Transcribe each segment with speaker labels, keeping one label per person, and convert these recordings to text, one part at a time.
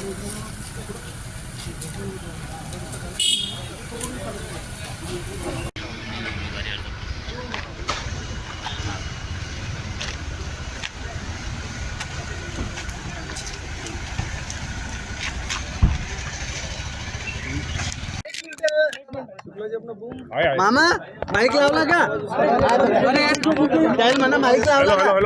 Speaker 1: मामा माईक लावला का? म्हणा माईक लावला का?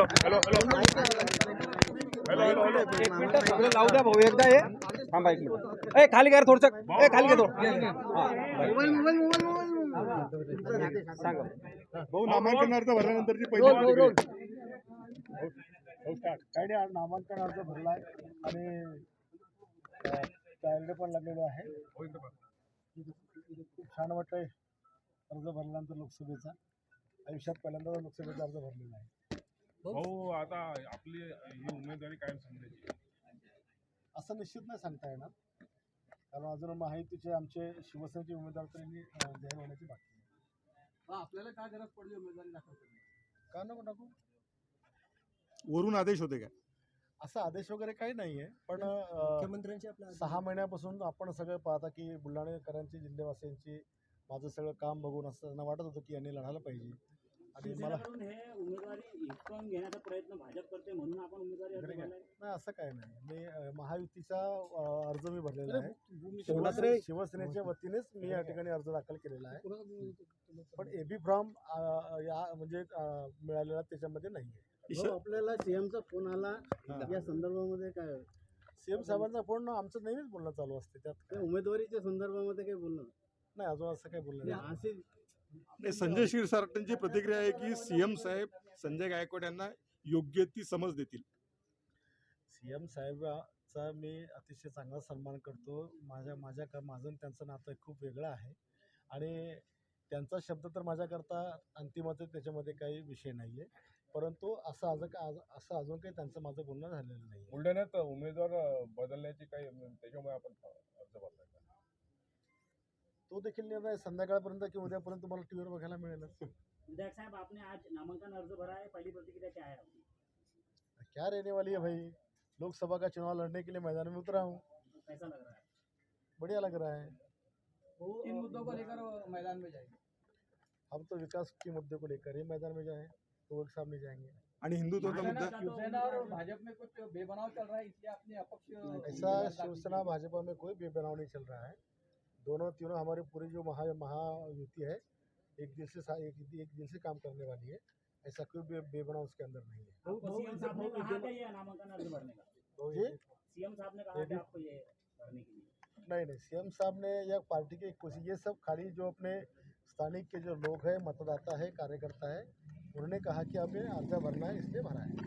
Speaker 1: लावू द्या भाऊ एकदा हे थांबा एक मिनिट. ए खाली कर थोडस. ए खाली घे थोडं. सांगा
Speaker 2: भाऊ नामांकन अर्ज भरल्यानंतरची पहिली काय नाही. आज नामांकन अर्ज भरलाय आणि चार्ज पण लागलेलो आहे. खूप छान वाटतंय अर्ज भरल्यानंतर लोकसभेचा. आयुष्यात पहिल्यांदा लोकसभेचा अर्ज भरलेला आहे.
Speaker 3: भाऊ आता आपली ही उमेदवारी कायम समजायची
Speaker 2: असं निश्चित नाही सांगता येणार, कारण अजून महायुतीचे आमचे शिवसेनेचे उमेदवार तरी जाहीर होण्याची बाकी आहे.
Speaker 1: आपल्याला काय गरज पडली उमेदवारी दाखल करण्याची?
Speaker 2: का नको टाकू?
Speaker 4: वरून आदेश होते का?
Speaker 2: असा आदेश वगैरे काही नाहीये, पण
Speaker 1: मुख्यमंत्र्यांची
Speaker 2: 6 महिन्यापासून आपण सगळं पाहता की बुलढाणेकरांची, जिल्हेवासियांची माझं सगळं काम बघून असं त्यांना वाटत होतं की यांनी लढायला पाहिजे. आणि मला
Speaker 5: हे उमेदवारी हिसकावून घेण्याचा प्रयत्न भाजप करते म्हणून आपण उमेदवारी अर्ज भरलाय?
Speaker 2: नाही, असं काही नाही. मी महायुतीचा अर्ज मी भरलेला आहे. शिवसेनेच्या वतीनेच मी या ठिकाणी अर्ज दाखल केलेला आहे, पण एबी फॉर्म या म्हणजे मिळालेला त्याच्यामध्ये नाहीये.
Speaker 1: आपल्याला सीएमचा फोन आला या संदर्भामध्ये काय?
Speaker 2: सीएम साहेबांचा फोन आमचं नेहमीच बोलणं चालू असते, त्यात
Speaker 1: उमेदवारीच्या संदर्भामध्ये काही बोलणं
Speaker 2: नाही. अजून असं काही बोलणं नाही.
Speaker 4: नाही, संजय क्षीरसागरांची प्रतिक्रिया आहे की सीएम साहेब संजय गायकवाड यांना योग्य ती समज देतील.
Speaker 2: सीएम साहेबाचा मी अतिशय चांगला सन्मान करतो. माझं त्यांचं नातं खूप वेगळं आहे आणि त्यांचा शब्द तर माझ्याकरता अंतिमच आहे, त्याच्यामध्ये काही विषय नाही आहे. परंतु असं अजून काही त्यांचं माझं बोलणं झालेलं नाही.
Speaker 3: बुलढाण्यात उमेदवार बदलण्याची काही त्याच्यामुळे आपण अर्ज भरलाय का?
Speaker 2: तो देखील निर्णय संध्याकाळपर्यंत किंवा उद्यापर्यंत तुम्हाला टीव्हीवर बघायला मिळेल.
Speaker 5: विधायक साहब, आपने आज नामांकन अर्ज भरा है, पहली प्रतिक्रिया क्या है आपकी?
Speaker 2: क्या रहने वाली है भाई, लोकसभा का चुनाव लड़ने के लिए मैदान में उतरा हूँ.
Speaker 5: कैसा लग रहा है?
Speaker 2: बढ़िया लग रहा है.
Speaker 1: किन मुद्दों को लेकर मैदान में जाएंगे?
Speaker 2: हम तो विकास के मुद्दे को लेकर ही मैदान में जाए, तो एक सामने जाएंगे.
Speaker 4: आणि हिंदुत्वाचा मुद्दा
Speaker 1: शिवसेना और भाजपा में कुछ बेबनाव चल रहा है, इसलिए आपने अपक्ष
Speaker 2: ऐसा शिवसेना भाजपा में कोई बेबनाव नहीं चल रहा है. दोनों तीनों हमारी पूरी जो महायुति है एक दिल से काम करने वाली है. ऐसा कोई बेबनाव उसके अंदर नहीं है.
Speaker 5: सीएम साहब ने कहा था ये नामांकन अर्ज भरने का?
Speaker 2: जी,
Speaker 5: सीएम साहब ने कहा था आपको ये भरने के लिए?
Speaker 2: नहीं, सीएम साहब ने या पार्टी के कुछ ये सब खाली जो अपने स्थानिक के जो लोग हैं, मतदाता है, कार्यकर्ता है, उन्होंने कहा कि अब ये अर्ज भरना है, इसलिए भरा है.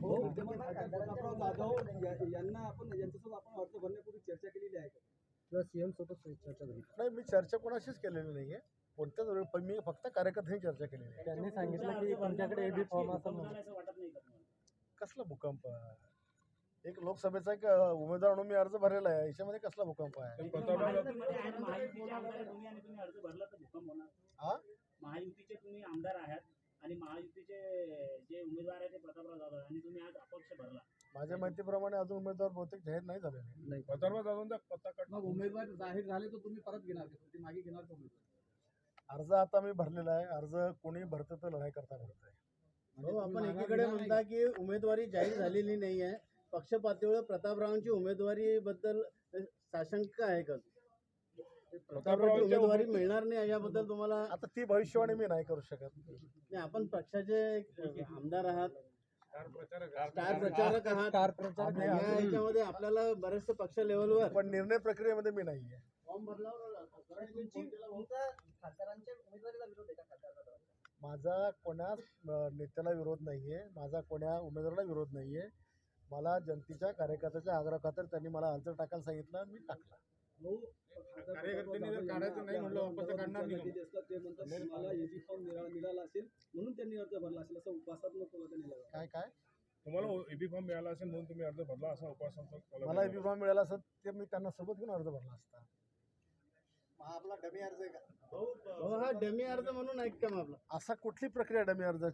Speaker 1: यांना आपण यांच्यासोबत आपण अर्ज भरण्यापूर्वी चर्चा केलेली आहे किंवा सीएम सोबत चर्चा झाली?
Speaker 2: नाही, मी चर्चा कोणाशीच केलेली नाही आहे. कोणत्याच वेळी पण मी फक्त कार्यकर्त्यांनी चर्चा केलेली आहे.
Speaker 1: त्यांनी सांगितलं की तुमच्याकडे एबी फॉर्म असं
Speaker 5: असं वाटत नाही का तुम्हाला?
Speaker 2: कसला भूकंप? एक लोकसभेचा एक उमेदवार म्हणून मी अर्ज भरलेला आहे, याच्यामध्ये कसला भूकंप आहे?
Speaker 5: महायुतीचे आमदार आहे तुम्ही आणि तुम्ही अर्ज भरला तर भूकंप होणार?
Speaker 2: हा,
Speaker 5: महायुतीचे तुम्ही आमदार आहात आणि महायुतीचे जे उमेदवार आहेत ते प्रतापराव जाधव आणि तुम्ही आज अपक्ष भरला.
Speaker 2: माझ्या माहितीप्रमाणे अजून उमेदवार बहुतेक जाहीर नाही झालेले.
Speaker 3: प्रतापराव जाधव पत्ता कट.
Speaker 1: मग उमेदवार जाहीर झाले तर तुम्ही परत घेणार का? ते मागे घेणार का उमेदवार?
Speaker 2: अर्ज आता मी भरलेला आहे. अर्ज कोणी भरतं तर लढाई करता भरतंय.
Speaker 1: आपण एकीकडे म्हणता की उमेदवारी जाहीर झालेली नाही आहे, पक्ष पातळीवर प्रतापरावांची उमेदवारी बद्दल साशंका आहे का? प्रतापरावची उमेदवारी मिळणार नाही याबद्दल तुम्हाला?
Speaker 2: आता ती भविष्यवाणी मी नाही करू शकत.
Speaker 1: नाही, आपण पक्षाचे आमदार आहात, स्टार प्रचारक आहात, याच्यामध्ये आपल्याला बरेचसे पक्ष लेवलवर
Speaker 2: पण निर्णय प्रक्रियेमध्ये मी नाही आहे.
Speaker 1: फॉर्म भरल्यावर खासदारांच्या उमेदवारीला विरोध आहे का? खासदार
Speaker 2: माझा कोणा नेत्याला विरोध नाही आहे, माझा कोणा उमेदवाराला विरोध नाही आहे. मला जनतेच्या कार्यकर्त्याच्या आग्रहाखातर त्यांनी मला अर्ज टाकायला सांगितलं, मी टाकला.
Speaker 1: कार्यकर्त्यांनी जर काढायचं नाही म्हणलं वापस काढणार नाही ते म्हणतात तुम्हाला एबी फॉर्म मिळाला असेल म्हणून त्यांनी अर्ज भरला असेल, असं उपासात्मक
Speaker 2: काय
Speaker 3: तुम्हाला एबी फॉर्म मिळाला असेल म्हणून तुम्ही अर्ज भरला असा उपासात्मक?
Speaker 2: मला एबी फॉर्म मिळाला असत ते मी त्यांना सोबत घेऊन अर्ज भरला असता.
Speaker 1: हा आपला डमी अर्ज आहे का? हो, हा डमी अर्ज म्हणून ऐक का आपला?
Speaker 2: असा कुठली प्रक्रिया डमी अर्जाची?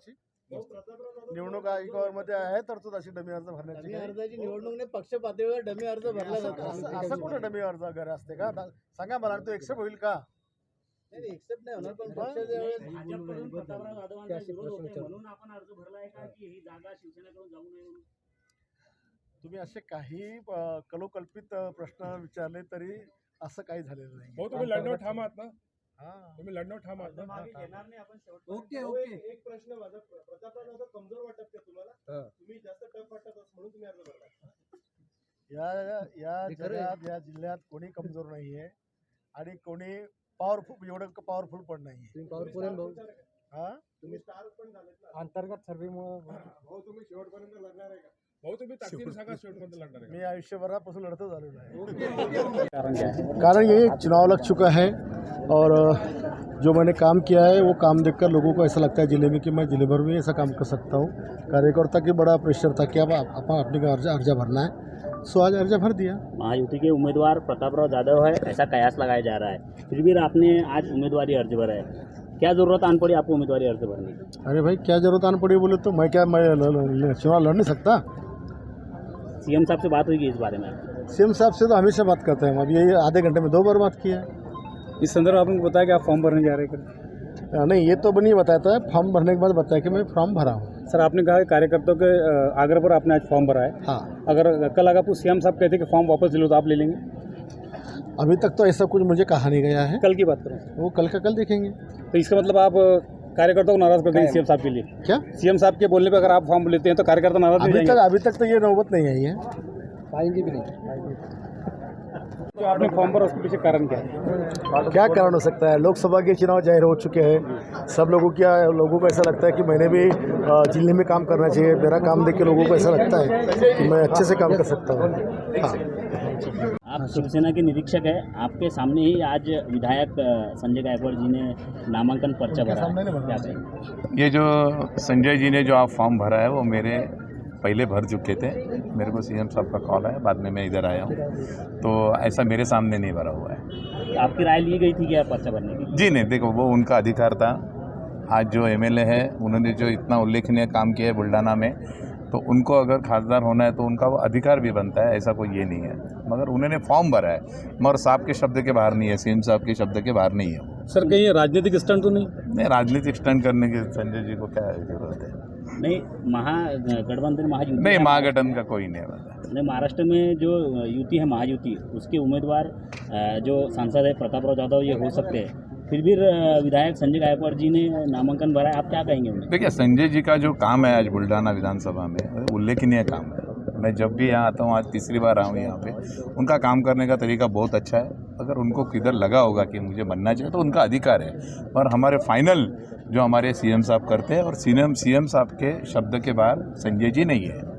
Speaker 2: निवडणूक आयोगामध्ये आहे तरतूद अशी डमी अर्ज भरण्याची
Speaker 1: डमी
Speaker 2: काही.
Speaker 1: अर्जाची निवडणूक नाही, पक्ष पातळीवर डमी अर्ज भरला जातो.
Speaker 2: असं कुठं डमी अर्ज वगैरे असते का सांगा मला, तो एक्सेप्ट होईल का?
Speaker 1: नाही एक्सेप्ट नाही होणार, पण पक्ष ज्यावेळेस
Speaker 5: भाजपकडून प्रतापराव जाधवांचा विरोध होतोय म्हणून आपण अर्ज भरलाय का, की ही जागा शिवसेनेकडून जाऊ नये म्हणून?
Speaker 2: तुम्ही असे काही कलोकल्पित प्रश्न विचारले तरी असं काही झालेलं नाही.
Speaker 3: भाऊ तुम्ही लढण्यावर ठाम आहात ना?
Speaker 2: हा.
Speaker 3: तुम्ही लढण्यावर ठाम आहात ना?
Speaker 1: Okay okay.
Speaker 6: एक प्रश्न माझा, प्रतापराव जाधव कमजोर वाटत का तुम्हाला? तुम्ही जास्त टफ वाटत म्हणून तुम्ही अर्ज भरला.
Speaker 2: या जगात या जिल्ह्यात कोणी कमजोर नाहीये आणि कोणी पॉवरफुल एवढं पॉवरफुल पण नाहीये. हा
Speaker 6: तुम्ही स्टार पण झालेत ना.
Speaker 2: अंतर्गत सर्वेमुळे
Speaker 6: भाऊ तुम्ही शेवटपर्यंत लढणार आहे का?
Speaker 3: भाऊ तुम्ही ताकदीने सांगा शेवटपर्यंत लढणार आहे का?
Speaker 2: मी आयुष्यभरापासून लढतच आलेलो आहे. कारण ये चुनाव लग चुका है और जो मैंने काम किया है वो काम देखकर लोगों को ऐसा लगता है जिले में कि मैं जिले भर में ऐसा काम कर सकता हूँ. कार्यकर्ता की बड़ा प्रेशर था कि अब अपन अपने का अर्जा भरना है, सो आज अर्जा भर दिया.
Speaker 5: महायुति के उम्मीदवार प्रतापराव जाधव है, ऐसा कयास लगाया जा रहा है, फिर भी आपने आज उम्मीदवारी अर्ज भरा है. क्या जरूरत आन पड़ी आपको उम्मीदवारी अर्ज भरने की?
Speaker 2: अरे भाई क्या जरूरत आने पड़ी बोले तो मैं चुनाव लड़ नहीं सकता.
Speaker 5: सीएम साहब से बात हुई कि इस बारे में?
Speaker 2: सीएम साहब से तो हमेशा बात करते हैं हम. अभी ये आधे घंटे में 2 बार बात किया है.
Speaker 7: इस संदर्भ आपने बताया कि आप फॉर्म भरने जा रहे हैं?
Speaker 2: नहीं, ये तो नहीं बताता है. फॉर्म भरने के बाद बताया कि मैं फॉर्म भरा हूँ.
Speaker 7: सर आपने कहा कि कार्यकर्ताओं के आग्रह पर आपने आज फॉर्म भरा है.
Speaker 2: हाँ,
Speaker 7: अगर कल अगर आपको सीएम साहब कहते कि फॉर्म वापस ले लो तो आप ले लेंगे?
Speaker 2: अभी तक तो ऐसा कुछ मुझे कहा नहीं गया है.
Speaker 7: कल की बात करें
Speaker 2: वो कल का कल देखेंगे.
Speaker 7: तो इसका मतलब आप कार्यकर्ताओं को नाराज कर देंगे सीएम साहब के लिए?
Speaker 2: क्या
Speaker 7: सीएम साहब के बोलने पे अगर आप फॉर्म लेते हैं तो कार्यकर्ता नाराज नहीं जाएंगे?
Speaker 2: अभी तक तो ये नौबत नहीं आई है.
Speaker 7: पाएंगे भी नहीं. तो आपने फॉर्म भरा उसके पीछे कारण क्या है?
Speaker 2: क्या कारण हो सकता है? लोकसभा के चुनाव जाहिर हो चुके हैं. सब लोगों को ऐसा लगता है कि मैंने भी जिले में काम करना चाहिए. मेरा काम देख के लोगों को ऐसा लगता है कि मैं अच्छे से काम कर सकता हूँ. हाँ.
Speaker 5: आप शिवसेना के निरीक्षक है, आपके सामने ही आज विधायक संजय गायकवाड़ जी ने नामांकन पर्चा भरा है. क्या कहेंगे?
Speaker 8: ये जो संजय जी ने जो आप फॉर्म भरा है वो मेरे पहले भर चुके थे. मेरे को सीएम साहब का कॉल आया, बाद में मैं इधर आया हूँ. तो ऐसा मेरे सामने नहीं भरा हुआ है.
Speaker 5: आपकी राय ली गई थी क्या पर्चा भरने की?
Speaker 8: जी नहीं, देखो वो उनका अधिकार था. आज जो एमएलए है उन्होंने जो इतना उल्लेखनीय काम किया है बुल्ढाना में, तो उनको अगर खासदार होना है तो उनका वो अधिकार भी बनता है. ऐसा कोई ये नहीं है, मगर उन्होंने फॉर्म भरा है, मगर साहब के शब्द के बाहर नहीं है, सीएम साहब के शब्द के बाहर नहीं है.
Speaker 7: सर कहीं राजनीतिक स्टंट तो नहीं?
Speaker 8: नहीं, राजनीतिक स्टंट करने की संजय जी को क्या जरूरत है?
Speaker 5: नहीं, महागठबंधन महायुति
Speaker 8: नहीं, महागठबंधन का कोई नहीं है.
Speaker 5: नहीं, महाराष्ट्र में जो युति है महायुति, उसके उम्मीदवार जो सांसद है प्रतापराव जाधव ये हो सकते हैं, फिर भी विधायक संजय गायकवाड़ जी ने नामांकन भरा है. आप क्या कहेंगे उन्हें?
Speaker 8: देखिए, संजय जी का जो काम है आज बुल्ढाना विधानसभा में उल्लेखनीय काम है. मैं जब भी यहाँ आता हूँ, आज तीसरी बार आया हूँ यहाँ पे, उनका काम करने का तरीका बहुत अच्छा है. अगर उनको किधर लगा होगा कि मुझे बनना चाहिए तो उनका अधिकार है, और हमारे फाइनल जो हमारे सीएम साहब करते हैं, और सीएम साहब के शब्द के बाहर संजय जी नहीं है.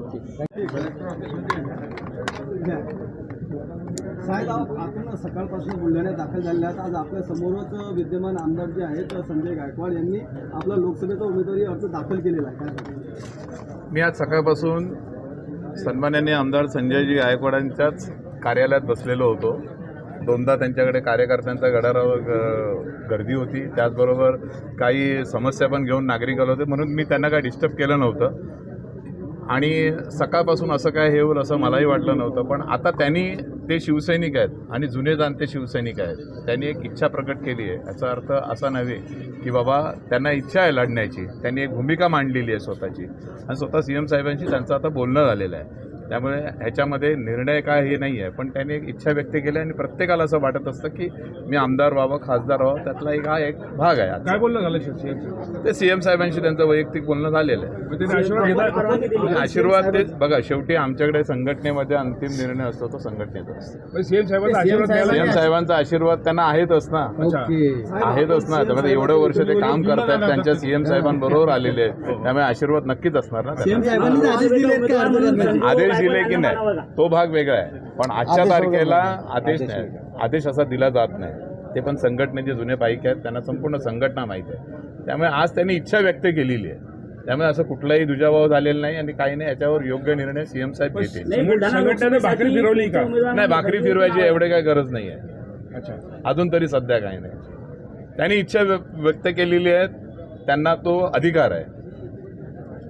Speaker 1: साहेब, आपण सकाळपासून बुलढाण्यात दाखल झाले आहात. आज आपल्या समोरच विद्यमान आमदार जे आहेत संजय गायकवाड यांनी आपला लोकसभेचा उमेदवारी अर्ज दाखल केलेला आहे. काय
Speaker 8: मी आज सकाळपासून सन्माननीय आमदार संजयजी गायकवाडांच्याच कार्यालयात बसलेलो होतो. 2दा त्यांच्याकडे कार्यकर्त्यांच्या गडारावर गर्दी होती. त्याचबरोबर काही समस्या पण घेऊन नागरिक आले होते, म्हणून मी त्यांना काय डिस्टर्ब केलं नव्हतं. आणि सकाळपासून असं काय हे होईल असं मलाही वाटलं नव्हतं. पण आता त्यांनी, ते शिवसैनिक आहेत आणि जुने जाणते शिवसैनिक आहेत, त्यांनी एक इच्छा प्रकट केली आहे. याचा अर्थ असा नव्हे की बाबा त्यांना इच्छा आहे लढण्याची, त्यांनी एक भूमिका मांडलेली आहे स्वतःची, आणि स्वतः सीएम साहेबांशी त्यांचं आता बोलणं झालेलं आहे. त्यामुळे ह्याच्यामध्ये निर्णय काय हे नाही आहे, पण त्यांनी एक इच्छा व्यक्त केली आणि प्रत्येकाला असं वाटत असतं की मी आमदार व्हावं, खासदार व्हावं, त्यातला एक भाग आहे.
Speaker 3: काय बोलणं झालं सीएम?
Speaker 8: ते सीएम साहेबांशी त्यांचं वैयक्तिक बोलणं झालेलं आहे.
Speaker 3: त्यांनी आशीर्वाद घेतला?
Speaker 8: आशीर्वाद ते बघा, शेवटी आमच्याकडे संघटनेमध्ये अंतिम निर्णय असतो तो संघटनेचा असतो.
Speaker 3: सीएम साहेबांचा आशीर्वाद घ्यायला?
Speaker 8: सीएम साहेबांचा आशीर्वाद त्यांना आहेतच ना, आहेतच ना. त्यामध्ये एवढं वर्ष ते काम करतात, त्यांच्या सीएम साहेबांबरोबर आलेले आहेत, त्यामुळे आशीर्वाद नक्कीच असणार ना त्यांना. आदेश दिले की नाही तो भाग वेगळा आहे, पण आजच्या तारखेला आदेश नाही, आदेश असा दिला जात नाही. ते पण संघटनेचे जुने पाईक आहेत, त्यांना संपूर्ण संघटना माहीत आहे. त्यामुळे आज त्यांनी इच्छा व्यक्त केलेली आहे. त्यामुळे असं कुठलाही दुजाभाव झालेला नाही आणि काही नाही. याच्यावर योग्य निर्णय सीएम साहेब घेतील.
Speaker 3: संघटनेने भाकरी फिरवली का?
Speaker 8: नाही, भाकरी फिरवायची एवढे काही गरज नाही आहे.
Speaker 3: अच्छा,
Speaker 8: अजून तरी सध्या काही नाही. त्यांनी इच्छा व्यक्त केलेली आहे, त्यांना तो अधिकार आहे.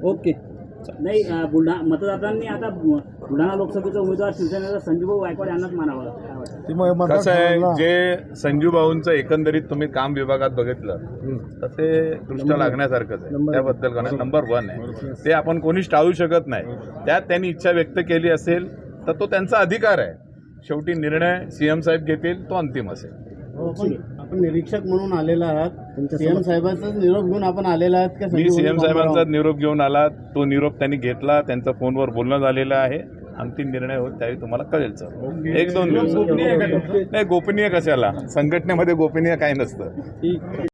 Speaker 7: ओके.
Speaker 5: नाही मतदारांनी आता बुलढाणा लोकसभेचा उमेदवार शिवसेनेचा संजूभाऊ गायकवाड यांनाच मानावा काय वाटतं?
Speaker 8: कसं आहे, जे संजू भाऊंचं एकंदरीत तुम्ही काम विभागात बघितलं तर ते दृष्ट्या लागण्यासारखंच आहे. त्याबद्दल नंबर 1 आहे, ते आपण कोणीच टाळू शकत नाही. त्यात त्यांनी इच्छा व्यक्त केली असेल तर तो त्यांचा अधिकार आहे. शेवटी निर्णय सीएम साहेब घेतील, तो अंतिम असेल.
Speaker 1: आपण निरीक्षक म्हणून आलेला आहात, सीएम साहेबांचाच निरोप घेऊन आपण आलेला आहात का?
Speaker 8: मी सीएम साहेबांचा निरोप घेऊन आला, तो निरोप त्यांनी घेतला, त्यांचं फोनवर बोलणं झालेलं आहे. अंतिम निर्णय होत त्यावेळी तुम्हाला कळेल सर. 1-2 दिवस. नाही, गोपनीय कशाला, संघटनेमध्ये गोपनीय काही नसतं.